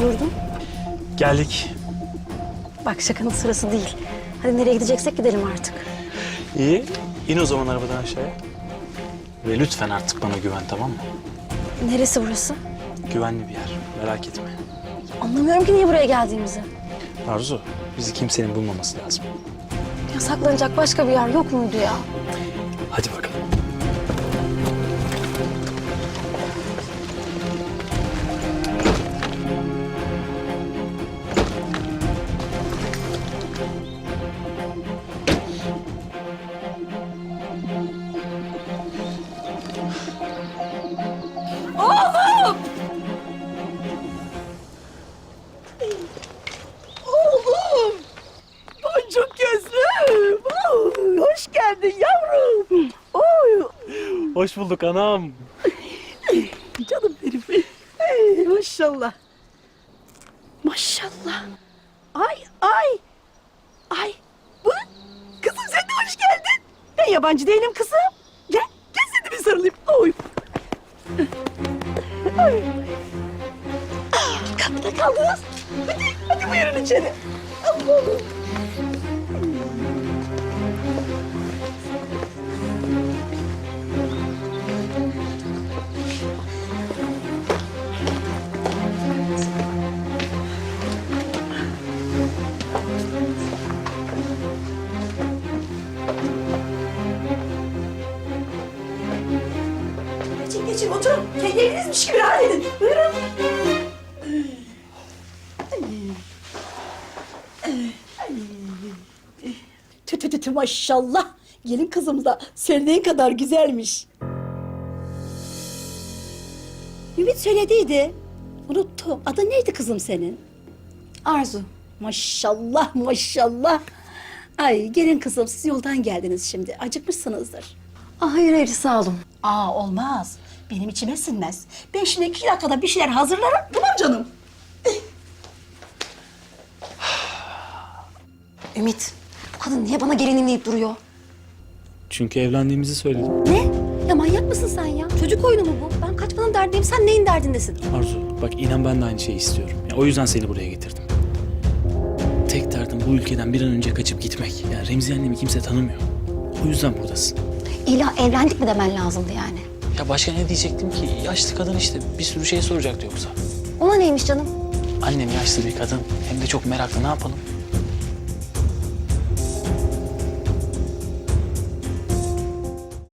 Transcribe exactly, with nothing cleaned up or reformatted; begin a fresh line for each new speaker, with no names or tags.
durdun?
Geldik.
Bak şakanın sırası değil. Hadi nereye gideceksek gidelim artık.
İyi. İn o zaman arabadan aşağıya. Ve lütfen artık bana güven, tamam mı?
Neresi burası?
Güvenli bir yer. Merak etme.
Anlamıyorum ki niye buraya geldiğimizi.
Arzu, bizi kimsenin bulmaması lazım.
Ya saklanacak başka bir yer yok muydu ya?
Hadi bakalım.
Oğlum! Boncuk gözlüm! Oy, hoş geldin yavrum! Oy!
Hoş bulduk anam.
Canım benim. Hey, maşallah. Maşallah. Ay ay! Ay! Bu? Kızım sen de hoş geldin. Ben yabancı değilim kızım. Gel, gel seni bir sarılayım. Oy! Oy! Ah, kapıda kaldınız. Hadi, hadi buyurun içeri. Allah'ım. Geçin geçin oturun. Kendi evinizmiş gibi rahat edin. Buyurun. Tü tü tü tü maşallah. Gelin kızım da söylediğin kadar güzelmiş. Ümit söylediydi. Unuttum. Adı neydi kızım senin?
Arzu.
Maşallah maşallah. Ay gelin kızım siz yoldan geldiniz şimdi. Acıkmışsınızdır.
Ah hayır hayır sağ olun.
Aa olmaz. Benim içime sinmez. Ben şimdi iki dakikada bir şeyler hazırlarım. Tamam canım.
Ümit bu kadın niye bana gelinim deyip duruyor?
Çünkü evlendiğimizi söyledim.
Ne? Ya manyak mısın sen ya? Çocuk oyunu mu bu? Ben kaçmanın derdindeyim, sen neyin derdindesin?
Arzu, bak inan ben de aynı şeyi istiyorum. Ya, o yüzden seni buraya getirdim. Tek derdim bu ülkeden bir an önce kaçıp gitmek. Ya Remziye annemi kimse tanımıyor. O yüzden buradasın.
İlla evlendik mi demen lazımdı yani.
Ya başka ne diyecektim ki? Yaşlı kadın işte. Bir sürü şey soracaktı yoksa.
Ona neymiş canım?
Annem yaşlı bir kadın. Hem de çok meraklı. Ne yapalım?